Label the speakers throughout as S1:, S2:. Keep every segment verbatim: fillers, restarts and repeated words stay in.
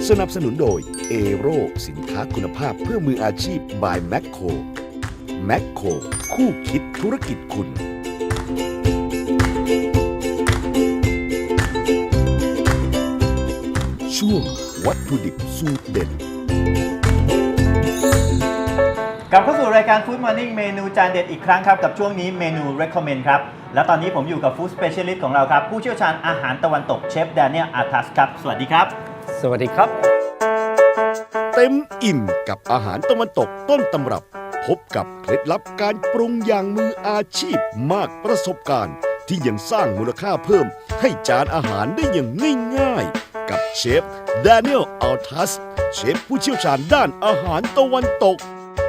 S1: สนับสนุนโดยเอโรสินค้าคุณภาพเพื่อมืออาชีพ by แมคโคร แมคโครคู่คิดธุรกิจคุณช่วงวัตถุดิบสูตรเด็ด
S2: กลับเข้าสู่รายการ Food Morning เมนูจานเด็ดอีกครั้งครับกับช่วงนี้เมนู Recommend ครับและตอนนี้ผมอยู่กับ Food Specialist ของเราครับผู้เชี่ยวชาญอาหารตะวันตกเชฟแดเนียลอาร์ทัสครับสวัสดีครับ
S3: สวัสดีครับ
S1: เต็มอิ่มกับอาหารตะวันตกต้นตำรับพบกับเคล็ดลับการปรุงอย่างมืออาชีพมากประสบการณ์ที่ยังสร้างมูลค่าเพิ่มให้จานอาหารได้อย่างง่ายๆกับเชฟแดเนียลอัลทัสเชฟผู้เชี่ยวชาญด้านอาหารตะวันตก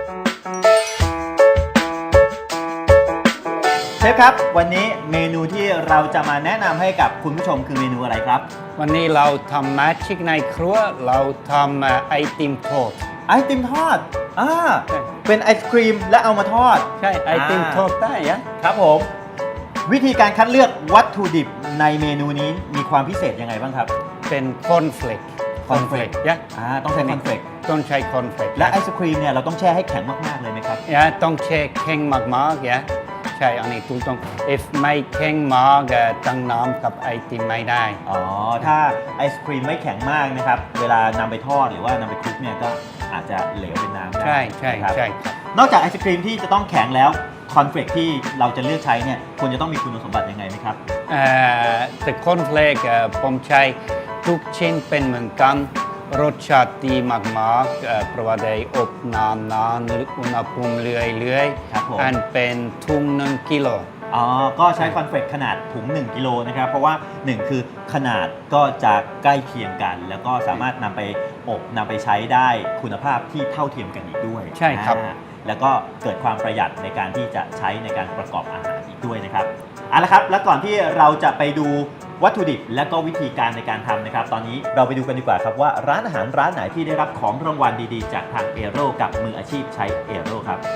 S2: เชฟครับวันนี้เมนูที่เราจะมาแนะนำให้กับคุณผู้ชมคือเมนูอะไรครับ
S3: วันนี้เราทำแมจิกในครัวเราทำไอติมทอด
S2: ไอติมทอดอ่าเป็นไอศครีมและเอามาทอด
S3: ใช่ไอติมทอดได้ยะ
S2: ครับผมวิธีการคัดเลือกวัตถุดิบในเมนูนี้มีความพิเศษยังไงบ้างครับ
S3: เป็นคอนเฟลก
S2: คอนเฟลกยะอ่าต้องใช้คอนเฟลก
S3: ต้องใช้คอนเฟลก
S2: และไอศครีมเนี่ยเราต้องแช่ให้แข็งมากๆเลยไหมครับ
S3: ยะต้องแช่แข็งมากๆยะใช่อันนี้ถูกต้อง if ไม่แข็งมากตั้งน้ำกับไอติมไม่ได้
S2: อ๋อถ้าไอศครีมไม่แข็งมากนะครับเวลานำไปทอดหรือว่านำไปคลุกเนี่ยก็อาจจะเหลวเป็นน้ำได้
S3: ใช่ใช่
S2: ครับ
S3: ใช่
S2: นอกจากไอศครีมที่จะต้องแข็งแล้วคอนเฟลกที่เราจะเลือกใช้เนี่ยควรจะต้องมีคุณสมบัติยังไงไหมครับ
S3: เอ่อแต่คอนเฟลกผมใช้ทุกชิ้นเป็นเหมือนกันรสชาติดีมากๆเพราะว่าได้อบนานๆอุณหภูมิเรื่อยๆอันเป็นถุงหนึ่งกิโล
S2: อ๋อก็ใช้คอนเฟลกขนาดถุงหนึ่งกิโลนะครับเพราะว่าหนึ่งคือขนาดก็จะใกล้เคียงกันแล้วก็สามารถนำไปอบนำไปใช้ได้คุณภาพที่เท่าเทียมกันอีกด้วย
S3: ใช่ครับ
S2: แล้วก็เกิดความประหยัดในการที่จะใช้ในการประกอบอาหารอีกด้วยนะครับเอาละครับแล้วก่อนที่เราจะไปดูวัตถุดิบและก็วิธีการในการทำนะครับตอนนี้เราไปดูกันดีกว่าครับว่าร้านอาหารร้านไหนที่ได้รับของรางวัลดีๆจากทางเอโร่กับมืออาชีพใช้เอโร่ครับ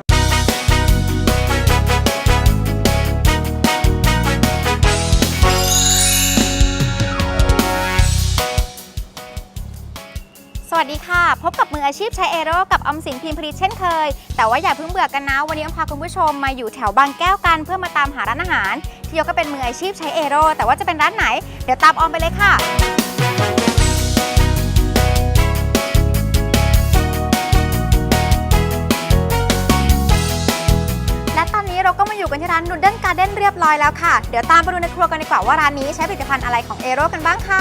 S4: สวัสดีค่ะพบกับมืออาชีพใช้เอโร่กับอมสินพิมพ์ผลิตเช่นเคยแต่ว่าอย่าเพิ่งเบื่อกันนะวันนี้อมพาคุณผู้ชมมาอยู่แถวบางแก้วกันเพื่อมาตามหาร้านอาหารที่ยกก็เป็นมืออาชีพใช้เอโร่แต่ว่าจะเป็นร้านไหนเดี๋ยวตามออมไปเลยค่ะและตอนนี้เราก็มาอยู่กันที่ร้านนูเดิลการ์เด้นเรียบร้อยแล้วค่ะเดี๋ยวตามไปดูในครัวกันดีกว่าว่าร้านนี้ใช้ผลิตภัณฑ์อะไรของเอโร่กันบ้างค่ะ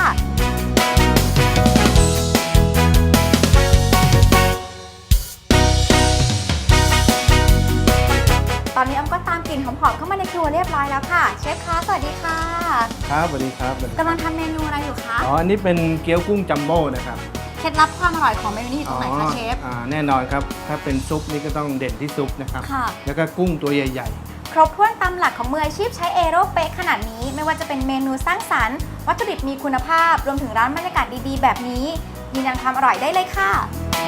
S4: ตอนนี้ออมก็ตามกลิ่นหอมๆเข้ามาในครัวเรียบร้อยแล้วค่ะเชฟคะสวัสดีค่ะ
S5: ครับสวัสดีครับ
S4: กำลังทำเมนูอะไรอยู่คะ
S5: อ๋ออันนี้เป็นเกี๊ยวกุ้งจัมโบ้นะครับ
S4: เคล็ดลับความอร่อยของเมนูนี้อยู่ตรงไหนคะเชฟ
S5: อ่าแน่นอนครับถ้าเป็นซุปนี่ก็ต้องเด่นที่ซุปนะครับ
S4: ค่ะ
S5: แล้วก็กุ้งตัวใหญ่
S4: ๆครบถ้วนตามหลักของมืออาชีพใช้เอโร่เป๊ะขนาดนี้ไม่ว่าจะเป็นเมนูสร้างสรรค์วัตถุดิบมีคุณภาพรวมถึงร้านบรรยากาศดีๆแบบนี้ยืนยันความอร่อยได้เลยค่ะ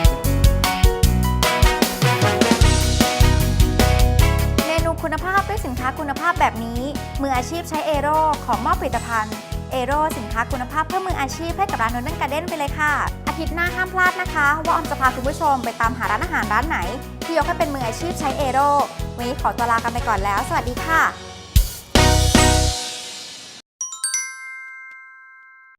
S4: คุณภาพด้วยสินค้าคุณภาพแบบนี้มืออาชีพใช้เอโร่ของมอบผลิตภัณฑ์เอโร่สินค้าคุณภาพเพื่อมืออาชีพให้กับร้านนูเดิลการ์เด้นไปเลยค่ะอาทิตย์หน้าห้ามพลาดนะคะว่าออมจะพาคุณผู้ชมไปตามหาร้านอาหารร้านไหนที่ยกให้เป็นมืออาชีพใช้เอโร่วันนี้ขอตัวลากันไปก่อนแล้วสวัสดีค่ะ